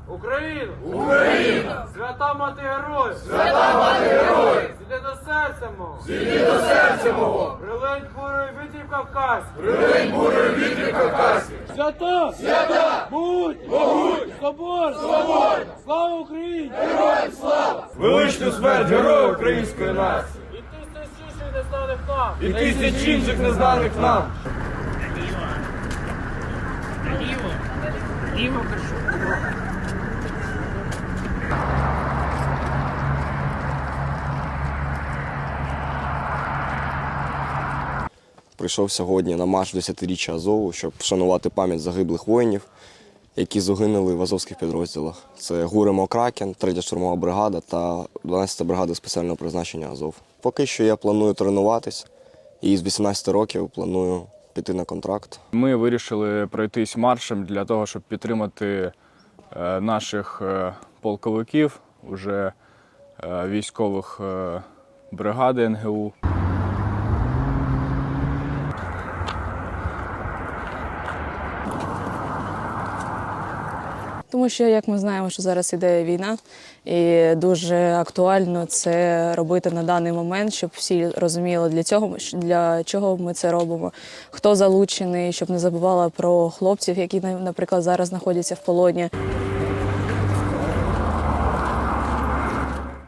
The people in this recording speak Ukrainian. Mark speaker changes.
Speaker 1: Україна!
Speaker 2: Україна!
Speaker 1: Свята мати героїв!
Speaker 2: Свята мати героїв!
Speaker 1: Зійди до серця мого!
Speaker 2: Зійди до серця мого!
Speaker 1: Прилинь бурою вітрів Кавказьких!
Speaker 2: Прилинь бурою вітрів Кавказьких!
Speaker 1: Свята!
Speaker 2: Свята!
Speaker 1: Будь!
Speaker 2: Могуть!
Speaker 1: Соборна!
Speaker 2: Соборна!
Speaker 1: Слава Україні!
Speaker 2: Героям слава! Величну смерть героїв української нації!
Speaker 1: І тисяч інших незнаних нам!
Speaker 2: І тисяч інших незнаних нам!
Speaker 3: Ліво кажу.
Speaker 4: Прийшов сьогодні на марш 10-річчя Азову, щоб вшанувати пам'ять загиблих воїнів, які загинули в азовських підрозділах. Це ГУР «Кракен», 3-я штурмова бригада та 12-та бригада спеціального призначення Азов. Поки що я планую тренуватись і з 18 років планую піти на контракт.
Speaker 5: Ми вирішили пройтись маршем для того, щоб підтримати наших полковиків, уже військових бригади НГУ.
Speaker 6: Тому що, як ми знаємо, що зараз іде війна, і дуже актуально це робити на даний момент, щоб всі розуміли, для чого ми це робимо, хто залучений, щоб не забували про хлопців, які, наприклад, зараз знаходяться в полоні.